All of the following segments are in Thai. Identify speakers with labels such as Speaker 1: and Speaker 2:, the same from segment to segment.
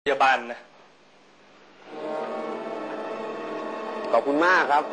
Speaker 1: พยาบาลนะ
Speaker 2: ขอบคุณมากครับ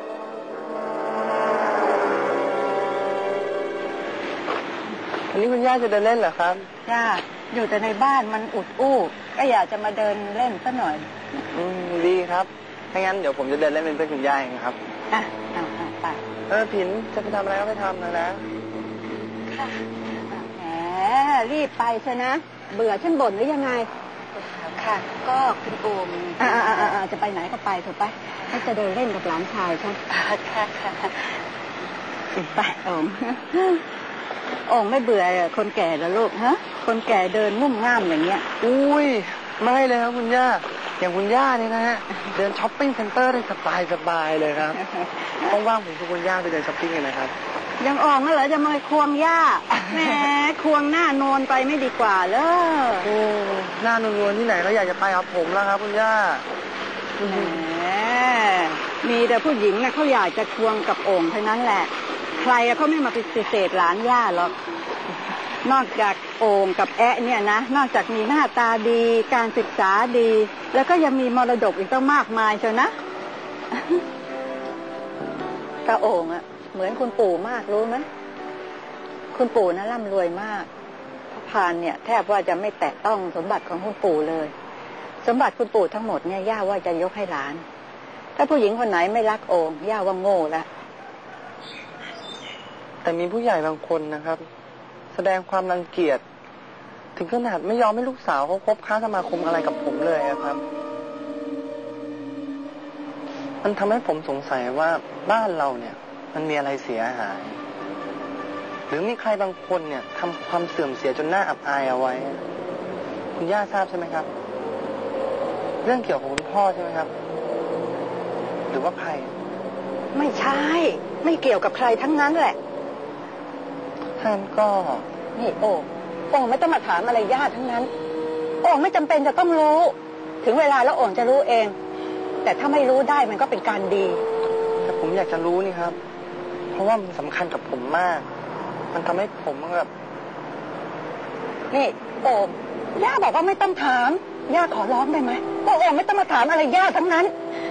Speaker 3: วันนี้คุณย่าจะเดินเล่นเหรอครับ
Speaker 4: ย่าอยู่แต่ในบ้านมันอุดอู้ก็อยากจะมาเดินเล่นซะหน่อย
Speaker 3: ดีครับถ้างั้นเดี๋ยวผมจะเดินเล่นเป็นเพื่อนคุณย่าเองครับ
Speaker 4: เอาไป
Speaker 3: ผินจะไปทำอะไรก็ไปทำนะ
Speaker 4: ค่ะแหมรีบไปซะนะเบื่อฉันบ่นหรือยังไงค่ะก็คุณโอมจะไปไหนก็ไปเถอะไปให้จะเดินเล่นกับหลานชายฉันค่ะไปโอมไม่เบื่อคนแก่เหรอลูกฮะคนแก่เดินงุ่มง่ามอย่างเงี้ย
Speaker 3: อุ้ยไม่เลยครับคุณย่าอย่างคุณย่าเนี่ยนะฮะเดินช้อปปิ้งเซ็นเตอร์ได้สบายเลยครับว่างๆผมชวนคุณย่าไปเดินช้อปปิ้งกันนะครับ
Speaker 4: ยังออกมาเหรอจะมาควงย่าแหมควงหน้านวลไปไม่ดีกว่าเลย
Speaker 3: โอ้หน้านวลที่ไหนก็อยากจะไปกับผมแล้วครับคุณย่า
Speaker 4: แหมมีแต่ผู้หญิงนะเขาอยากจะควงกับโอ่งเท่านั้นแหละใครเขาไม่มาปฏิเสธหลานย่าหรอกนอกจากโอ่งกับแอะเนี่ยนะนอกจากมีหน้าตาดีการศึกษาดีแล้วก็ยังมีมรดกอีกตั้งมากมายเชียวนะตาโอ่งอะเหมือนคุณปู่มากรู้ไหมคุณปู่นะร่ำรวยมากพระพานเนี่ยแทบว่าจะไม่แตะต้องสมบัติของคุณปู่เลยสมบัติคุณปู่ทั้งหมดเนี่ยย่าว่าจะยกให้หลานถ้าผู้หญิงคนไหนไม่รักโอ่งย่าว่าโง่ละ
Speaker 3: แต่มีผู้ใหญ่บางคนนะครับแสดงความรังเกียจถึงขนาดไม่ยอมให้ลูกสาวเขาคบค้าสมาคมอะไรกับผมเลยครับมันทำให้ผมสงสัยว่าบ้านเราเนี่ยมันมีอะไรเสียหายหรือมีใครบางคนเนี่ยทำความเสื่อมเสียจนน่าอับอายเอาไว้คุณย่าทราบใช่ไหมครับเรื่องเกี่ยวกับคุณพ่อใช่ไหมครับหรือว่าใคร
Speaker 4: ไม่ใช่ไม่เกี่ยวกับใครทั้งนั้นแหละ
Speaker 3: ท่านก็
Speaker 4: นี่โอ่งไม่ต้องมาถามอะไรย่าทั้งนั้นโอ่งไม่จำเป็นจะต้องรู้ถึงเวลาแล้วโอ่งจะรู้เองแต่ถ้าไม่รู้ได้มันก็เป็นการดี
Speaker 3: แต่ผมอยากจะรู้นี่ครับเพราะว่ามันสำคัญกับผมมากมันทำให้ผมแบบ
Speaker 4: นี่โอ่งย่าบอกว่าไม่ต้องถามย่าขอร้องได้ไหมโอ่งไม่ต้องมาถามอะไรย่าทั้งนั้น